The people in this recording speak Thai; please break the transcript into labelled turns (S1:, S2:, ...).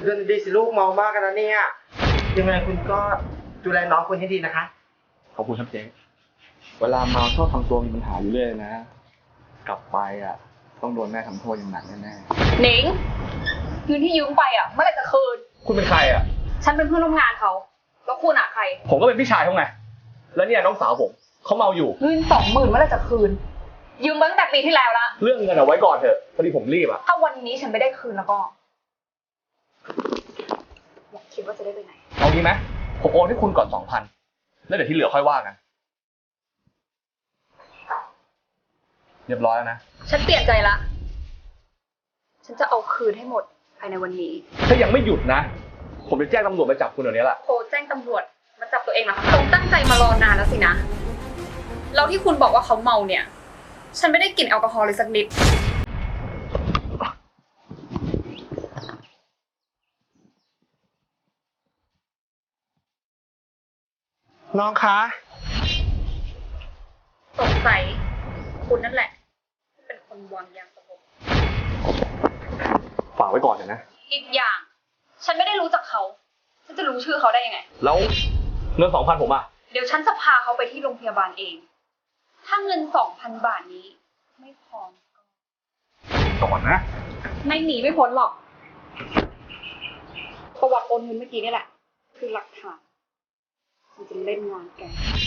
S1: เรื่องดีสิลูกเมามากกันนะเนี่ยยังไงคุณก็ดูแลน้องคุณให้ดีนะคะ
S2: ขอบคุณครับเจ๊เวลาเมาชอบทำตัวมีปัญหาอยู่เรื่อยนะกลับไปต้องโดนแม่ทำโทษอย่างหนักแน่
S3: ๆหนิงเงินที่ยืมไปเมื่อไหร่จะคืน
S2: คุณเป็นใคร
S3: ฉันเป็นเพื่อนร่วมงานเขาแล้วคุณใคร
S2: ผมก็เป็นพี่ชายเขาไงแล้วเนี่ยน้องสาวผมเขาเมาอยู่
S3: เงิน20,000เมื่อไหร่จะคืนยืมมาตั้งแต่ปีที่แล้วละ
S2: เรื่องเงินเอาไว้ก่อนเถอะพอดีผมรีบ
S3: ถ้าวันนี้ฉันไม่ได้คืนแล้วก็อยากคิดว่าจะได้ไปไหน
S2: เอางี้ไหมผมโอนให้คุณก่อน 2,000 แล้วเดี๋ยวที่เหลือค่อยว่ากันเรียบร้อยแล้วนะ
S3: ฉันเปลี่ยนใจละฉันจะเอาคืนให้หมดภายในวันนี้
S2: ถ้ายังไม่หยุดนะผมจะแจ้งตำรวจมาจับคุณเดี๋ยวนี้แหละ
S3: โทรแจ้งตำรวจมาจับตัวเองนะคะคงตั้งใจมารอนานแล้วสินะแล้วที่คุณบอกว่าเขาเมาเนี่ยฉันไม่ได้กลิ่นแอลกอฮอล์เลยสักนิด
S1: น้องคะ
S3: สงสัยคุณนั่นแหละเป็นคนวางยาสลบ
S2: ฝากไว้ก่อนนะ
S3: อีกอย่างฉันไม่ได้รู้จักเขาฉันจะรู้ชื่อเขาได้ยังไง
S2: แล้วเงิน 2,000 ผม
S3: เดี๋ยวฉันจะพาเขาไปที่โรงพยาบาลเองถ้าเงิน 2,000 บาทนี้ไม่พอ
S2: ก่อนนะ
S3: ไม่หนีไม่พ้นหรอกประวัติโอนเงินเมื่อกี้นี่แหละคือหลักฐานมันจะเล่นงานแก